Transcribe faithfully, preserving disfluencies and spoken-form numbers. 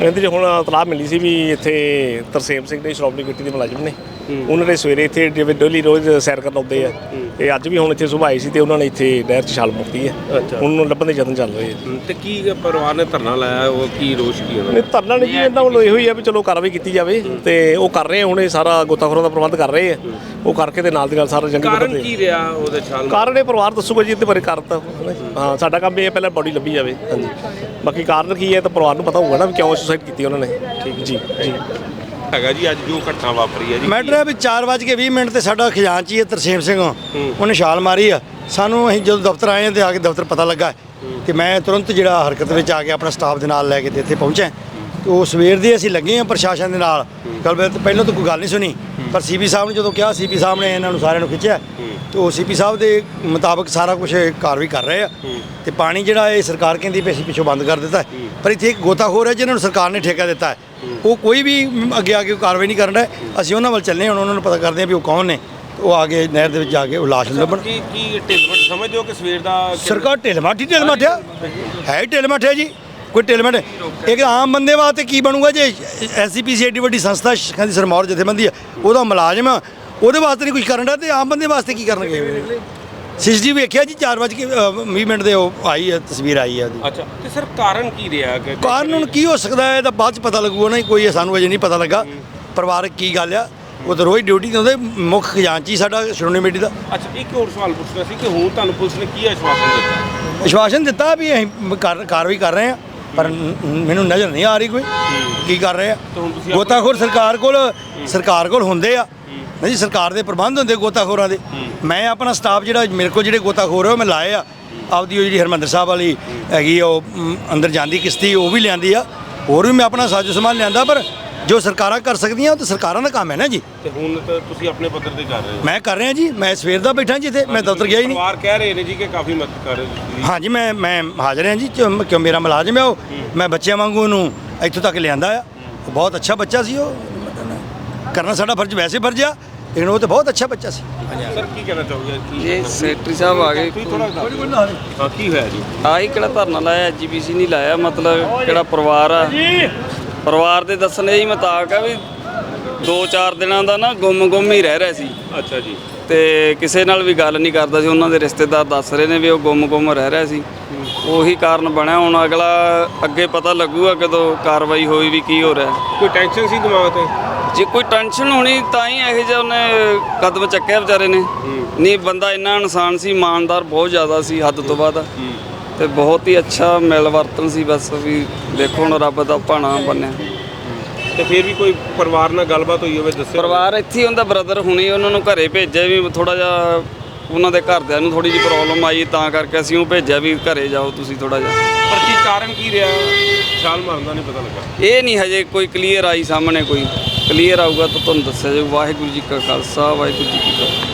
ਇਹਦੇ 'ਚ ਹੁਣ ਇਤਲਾਹ ਮਿਲੀ ਸੀ ਵੀ ਇੱਥੇ ਤਰਸੇਮ ਸਿੰਘ ਨੇ ਸ਼੍ਰੋਮਣੀ ਕਮੇਟੀ ਦੇ ਮੁਲਾਜ਼ਮ ਨੇ, ਉਹਨਾਂ ਨੇ ਸਵੇਰੇ ਇੱਥੇ ਜਿਵੇਂ ਡੇਲੀ ਰੋਜ਼ ਸੈਰ ਕਰਨ ਆਉਂਦੇ ਆ, ਤੇ ਅੱਜ ਵੀ ਹੁਣ ਇੱਥੇ ਸੁਬਾਹ ਆਈ ਸੀ ਤੇ ਉਹਨਾਂ ਨੇ ਇੱਥੇ ਨਹਿਰ 'ਚ ਛਾਲ ਮਾਰਤੀ ਹੈ। ਉਹਨੂੰ ਲੱਭਣ ਦੇ ਯਤਨ ਚੱਲ ਰਹੇ ਆ। ਤੇ ਕੀ ਪਰਿਵਾਰ ਨੇ ਧਰਨਾ ਲਾਇਆ, ਉਹ ਕੀ ਰੋਸ਼ ਕੀ ਉਹਨਾਂ ਨਹੀਂ ਧਰਨਾ ਨਹੀਂ ਜੀ, ਇਹਨਾਂ ਵੱਲੋਂ ਇਹੋ ਹੀ ਆ ਵੀ ਚਲੋ ਕਾਰਵਾਈ ਕੀਤੀ ਜਾਵੇ, ਤੇ ਉਹ ਕਰ ਰਹੇ ਹੁਣ ਇਹ ਸਾਰਾ ਗੋਤਾਖੋਰਾਂ ਦਾ ਪ੍ਰਬੰਧ ਕਰ ਰਹੇ ਆ, ਉਹ ਕਰਕੇ ਤੇ ਨਾਲ ਦੀ ਨਾਲ ਸਾਰਾ ਜੰਗੀ ਕਾਰਨ ਕੀ ਰਿਹਾ ਉਹਦੇ ਛਾਲ? ਕਾਰਨ ਇਹ ਪਰਿਵਾਰ ਦੱਸੂਗਾ ਜੀ, ਇਹਦੇ ਬਾਰੇ ਕਾਰਨ ਤਾਂ ਹਾਂ ਸਾਡਾ ਕੰਮ ਇਹ ਪਹਿਲਾਂ ਬੋਡੀ ਲੱਭੀ ਜਾਵੇ। ਹਾਂਜੀ ਬਾਕੀ ਕਾਰਨ ਕੀ ਹੈ ਤਾਂ ਪਰਿਵਾਰ ਨੂੰ ਪਤਾ ਹੋਊਗਾ ਨਾ ਵੀ ਕਿਉਂ ਸੁਸਾਈਡ ਕੀਤੀ ਉਹਨਾਂ ਨੇ। ਠੀਕ ਜੀ ਜੀ ਹੈਗਾ ਜੀ ਅੱਜ ਜੋ ਘਟਨਾ ਵਾਪਰੀ ਹੈ ਜੀ, ਮੈਟਰ ਹੈ ਵੀ ਚਾਰ ਵੱਜ ਕੇ ਵੀਹ ਮਿੰਟ ਤੇ ਸਾਡਾ ਖਜ਼ਾਨਚੀ ਹੈ ਤਰਸੇਮ ਸਿੰਘ, ਉਹਨੇ ਛਾਲ ਮਾਰੀ ਆ। ਸਾਨੂੰ ਅਸੀਂ ਜਦੋਂ ਦਫ਼ਤਰ ਆਏ ਤੇ ਆ ਕੇ ਦਫ਼ਤਰ ਪਤਾ ਲੱਗਾ ਤੇ ਮੈਂ ਤੁਰੰਤ ਜਿਹੜਾ ਹਰਕਤ ਵਿੱਚ ਆ ਕੇ ਆਪਣਾ ਸਟਾਫ ਦੇ ਨਾਲ ਲੈ ਕੇ ਤੇ ਇੱਥੇ ਪਹੁੰਚਿਆ। ਤੇ ਉਹ ਸਵੇਰ ਦੇ ਅਸੀਂ ਲੱਗੇ ਹਾਂ ਪ੍ਰਸ਼ਾਸਨ ਦੇ ਨਾਲ ਗੱਲ। ਪਹਿਲਾਂ ਤਾਂ ਕੋਈ ਗੱਲ ਨਹੀਂ ਸੁਣੀ, ਪਰ ਸੀਪੀ ਸਾਹਿਬ ਨੇ ਜਦੋਂ ਕਿਹਾ, ਸੀਪੀ ਸਾਹਿਬ ਨੇ ਇਹਨਾਂ ਨੂੰ ਸਾਰਿਆਂ ਨੂੰ ਖਿੱਚਿਆ ਤੇ ਉਹ ਸੀਪੀ ਸਾਹਿਬ ਦੇ ਮੁਤਾਬਕ ਸਾਰਾ ਕੁਝ ਕਾਰਵਾਈ ਕਰ ਰਹੇ ਆ। ਤੇ ਪਾਣੀ ਜਿਹੜਾ ਇਹ ਸਰਕਾਰ ਕਹਿੰਦੀ ਵੀ ਅਸੀਂ ਪਿੱਛੋਂ ਬੰਦ ਕਰ ਦਿੱਤਾ, ਪਰ ਇੱਥੇ ਇੱਕ ਗੋਤਾਖੋਰ ਹੈ ਜਿਹਨਾਂ ਨੂੰ ਸਰਕਾਰ ਨੇ ਠੇਕਾ ਦਿੱਤਾ ਹੈ, ਉਹ ਕੋਈ ਵੀ ਅੱਗੇ ਆ ਕੇ ਕਾਰਵਾਈ ਨਹੀਂ ਕਰਨ ਰਿਹਾ। ਅਸੀਂ ਉਹਨਾਂ ਵੱਲ ਚੱਲੇ, ਹੁਣ ਉਹਨਾਂ ਨੂੰ ਪਤਾ ਕਰਦੇ ਹਾਂ ਵੀ ਉਹ ਕੌਣ ਨੇ। ਉਹ ਆ ਕੇ ਨਹਿਰ ਦੇ ਵਿੱਚ ਜਾ ਕੇ ਉਹ ਲਾਸ਼ ਲੱਭਣ। ਕੀ ਕੀ ਢਿੱਲਮਟ ਸਮਝਦੇ ਹੋ ਕਿ ਸਵੇਰ ਦਾ ਸਰਕਾਰ ਢਿੱਲਮੱਠ ਢਿੱਲਮੱਠ ਆ, ਹੈ ਹੀ ਢਿੱਲਮੱਠ ਹੈ ਜੀ, ਕੋਈ ਢਿੱਲਮੱਠ। ਇੱਕ ਆਮ ਬੰਦੇ ਵਾਸਤੇ ਕੀ ਬਣੂਗਾ ਜੇ ਐਸ ਸੀ ਪੀ ਸੀ ਐਡੀ ਵੱਡੀ ਸੰਸਥਾ ਸਿੱਖਾਂ ਦੀ ਸਰਮੌਰ ਜਥੇਬੰਦੀ ਆ, ਉਹਦਾ ਮੁਲਾਜ਼ਮ ਆ, ਉਹਦੇ ਵਾਸਤੇ ਨਹੀਂ ਕੁਝ ਕਰਨ ਦਾ, ਤੇ ਆਮ ਬੰਦੇ ਵਾਸਤੇ ਕੀ ਕਰਨਗੇ? ਸਿਸਜੀ ਵੇਖਿਆ ਜੀ ਚਾਰ ਵਜੇ ਵੀਹ ਮਿੰਟ ਦੇ ਉਹ ਆਈ ਹੈ, ਤਸਵੀਰ ਆਈ ਹੈ ਉਹਦੀ। ਅੱਛਾ ਤੇ ਸਰ ਕਾਰਨ ਕੀ ਰਿਹਾ? ਕਾਰਨ ਹੁਣ ਕੀ ਹੋ ਸਕਦਾ ਹੈ, ਇਹਦਾ ਬਾਅਦ ਚ ਪਤਾ ਲੱਗੂਗਾ ਨਾ, ਕੋਈ ਸਾਨੂੰ ਅਜੇ ਨਹੀਂ ਪਤਾ ਲੱਗਾ ਪਰਿਵਾਰਕ ਕੀ ਗੱਲ ਆ। ਉਹ ਤਾਂ ਰੋਜ਼ ਡਿਊਟੀ ਤੇ ਹੁੰਦੇ, ਮੁੱਖ ਖਜ਼ਾਨਚੀ ਸਾਡਾ ਸ਼੍ਰੋਮਣੀ ਕਮੇਟੀ ਦਾ। ਅੱਛਾ ਇੱਕ ਹੋਰ ਸਵਾਲ ਪੁੱਛਣਾ ਸੀ ਕਿ ਹੁਣ ਤੁਹਾਨੂੰ ਪੁਲਿਸ ਨੇ ਕੀ ਆਸ਼ਵਾਸਨ ਦਿੱਤਾ? ਆਸ਼ਵਾਸਨ ਦਿੱਤਾ ਵੀ ਅਸੀਂ ਕਾਰ- ਕਾਰਵਾਈ ਕਰ ਰਹੇ ਹਾਂ, ਪਰ ਮੈਨੂੰ ਨਜ਼ਰ ਨਹੀਂ ਆ ਰਹੀ ਕੋਈ ਕੀ ਕਰ ਰਹੇ ਆ। ਗੋਤਾਖੋਰ ਸਰਕਾਰ ਕੋਲ ਸਰਕਾਰ ਕੋਲ ਹੁੰਦੇ ਆ ਨਹੀਂ ਜੀ, ਸਰਕਾਰ ਦੇ ਪ੍ਰਬੰਧ ਹੁੰਦੇ ਗੋਤਾਖੋਰਾਂ ਦੇ। ਮੈਂ ਆਪਣਾ ਸਟਾਫ ਜਿਹੜਾ ਮੇਰੇ ਕੋਲ ਜਿਹੜੇ ਗੋਤਾਖੋਰ ਉਹ ਮੈਂ ਲਾਏ ਆ, ਆਪਦੀ ਉਹ ਜਿਹੜੀ ਹਰਮੰਦਰ ਸਾਹਿਬ ਵਾਲੀ ਹੈਗੀ ਉਹ ਅੰਦਰ ਜਾਂਦੀ ਕਿਸ਼ਤੀ ਉਹ ਵੀ ਲਿਆਂਦੀ ਆ, ਹੋਰ ਵੀ ਮੈਂ ਆਪਣਾ ਸਾਜੋ ਸਮਾਨ ਲਿਆਂਦਾ, ਪਰ ਜੋ ਸਰਕਾਰਾਂ ਕਰ ਸਕਦੀਆਂ ਉਹ ਤਾਂ ਸਰਕਾਰਾਂ ਦਾ ਕੰਮ ਹੈ ਨਾ ਜੀ। ਤੇ ਹੁਣ ਤਾਂ ਤੁਸੀਂ ਆਪਣੇ ਪੱਧਰ ਤੇ ਕਰ ਰਹੇ ਹੋ? ਮੈਂ ਕਰ ਰਿਹਾ ਜੀ, ਮੈਂ ਸਵੇਰ ਦਾ ਬੈਠਾ ਜੀ ਇੱਥੇ, ਮੈਂ ਦਫ਼ਤਰ ਗਿਆ ਹੀ ਨਹੀਂ। ਪਰਿਵਾਰ ਕਹਿ ਰਹੇ ਨੇ ਜੀ ਕਿ ਕਾਫੀ ਮਦਦ ਕਰ ਰਹੇ ਤੁਸੀਂ। ਹਾਂਜੀ ਮੈਂ ਮੈਂ ਹਾਜ਼ਰ ਹਾਂ ਜੀ, ਕਿਉਂ ਕਿਉਂ ਮੇਰਾ ਮੁਲਾਜ਼ਮ ਹੈ ਉਹ, ਮੈਂ ਬੱਚਿਆਂ ਵਾਂਗੂ ਉਹਨੂੰ ਇੱਥੋਂ ਤੱਕ ਲਿਆਂਦਾ ਆ। ਉਹ ਬਹੁਤ ਅੱਛਾ ਬੱਚਾ ਸੀ, ਉਹ ਕਰਨਾ ਸਾਡਾ ਫਰਜ਼ ਵੈਸੇ ਫਰਜ਼ ਆ, ਲੇਕਿਨ ਉਹ ਤਾਂ ਬਹੁਤ ਅੱਛਾ ਬੱਚਾ ਸੀ। ਸਰ ਕੀ ਕਹਿਣਾ ਚਾਹੋਗੇ? ਜੀ ਸੈਕਟਰੀ ਸਾਹਿਬ ਆ ਗਏ। ਹਾਂ ਕੀ ਹੋਇਆ ਜੀ? ਆਹੀ ਕਿਹੜਾ ਧਰਨਾ ਲਾਇਆ, ਜੀ ਬੀ ਸੀ ਨਹੀਂ ਲਾਇਆ, ਮਤਲਬ ਕਿਹੜਾ ਪਰਿਵਾਰ ਆ, ਪਰਿਵਾਰ ਦੇ ਦੱਸਣ ਦੇ ਮੁਤਾਬਕ ਆ ਵੀ ਦੋ ਚਾਰ ਦਿਨਾਂ ਦਾ ਨਾ ਗੁੰਮ ਗੁੰਮ ਹੀ ਰਹਿ ਰਿਹਾ ਸੀ। ਅੱਛਾ ਜੀ। ਤੇ ਕਿਸੇ ਨਾਲ ਵੀ ਗੱਲ ਨਹੀਂ ਕਰਦਾ ਸੀ, ਉਹਨਾਂ ਦੇ ਰਿਸ਼ਤੇਦਾਰ ਦੱਸ ਰਹੇ ਨੇ ਵੀ ਉਹ ਗੁੰਮ ਗੁੰਮ ਰਹਿ ਰਿਹਾ ਸੀ, ਉਹੀ ਕਾਰਨ ਬਣਿਆ। ਹੁਣ ਅਗਲਾ ਅੱਗੇ ਪਤਾ ਲੱਗੂਗਾ ਕਦੋਂ ਕਾਰਵਾਈ ਹੋਈ ਵੀ ਕੀ ਹੋ ਰਿਹਾ। ਕੋਈ ਟੈਨਸ਼ਨ ਸੀ ਦਿਮਾਗ ਤੇ? ਜੇ ਕੋਈ ਟੈਨਸ਼ਨ ਹੋਣੀ ਤਾਂ ਹੀ ਇਹੋ ਜਿਹਾ ਉਹਨੇ ਕਦਮ ਚੱਕਿਆ ਵਿਚਾਰੇ ਨੇ। ਨਹੀਂ ਬੰਦਾ ਇੰਨਾ ਇਨਸਾਨ ਸੀ, ਇਮਾਨਦਾਰ ਬਹੁਤ ਜ਼ਿਆਦਾ ਸੀ, ਹੱਦ ਤੋਂ ਵੱਧ, ਤੇ ਬਹੁਤ ਹੀ ਅੱਛਾ ਮਿਲ ਵਰਤਨ ਸੀ। ਬਸ ਵੀ ਦੇਖੋ ਹੁਣ ਰੱਬ ਦਾ ਭਾਣਾ ਬਣਿਆ। ਤੇ ਫਿਰ ਵੀ ਕੋਈ ਪਰਿਵਾਰ ਨਾਲ ਗੱਲਬਾਤ ਹੋਈ ਹੋਵੇ ਦੱਸਿਓ? ਪਰਿਵਾਰ ਇੱਥੇ ਹੀ ਹੁੰਦਾ, ਬ੍ਰਦਰ ਹੁਣੀ ਉਹਨਾਂ ਨੂੰ ਘਰੇ ਭੇਜਿਆ ਵੀ ਥੋੜਾ ਜਿਹਾ ਉਹਨਾਂ ਦੇ ਘਰਦਿਆਂ ਨੂੰ ਥੋੜੀ ਜਿਹੀ ਪ੍ਰੋਬਲਮ ਆਈ, ਤਾਂ ਕਰਕੇ ਅਸੀਂ ਉਹ ਭੇਜਿਆ ਵੀ ਘਰੇ ਜਾਓ ਤੁਸੀਂ ਥੋੜਾ ਜਿਹਾ। ਪਰ ਕੀ ਕਾਰਨ ਕੀ ਰਿਹਾ? ਛਾਲ ਮਾਰਨ ਦਾ ਨਹੀਂ ਪਤਾ ਲੱਗਾ। ਇਹ ਨਹੀਂ ਹਜੇ ਕੋਈ ਕਲੀਅਰ ਆਈ ਸਾਹਮਣੇ, ਕੋਈ ਕਲੀਅਰ ਆਊਗਾ ਤਾਂ ਤੁਹਾਨੂੰ ਦੱਸਿਆ ਜਾਊ। ਵਾਹਿਗੁਰੂ ਜੀ ਕਾ ਖਾਲਸਾ, ਵਾਹਿਗੁਰੂ ਜੀ ਕੀ ਫਤਿਹ।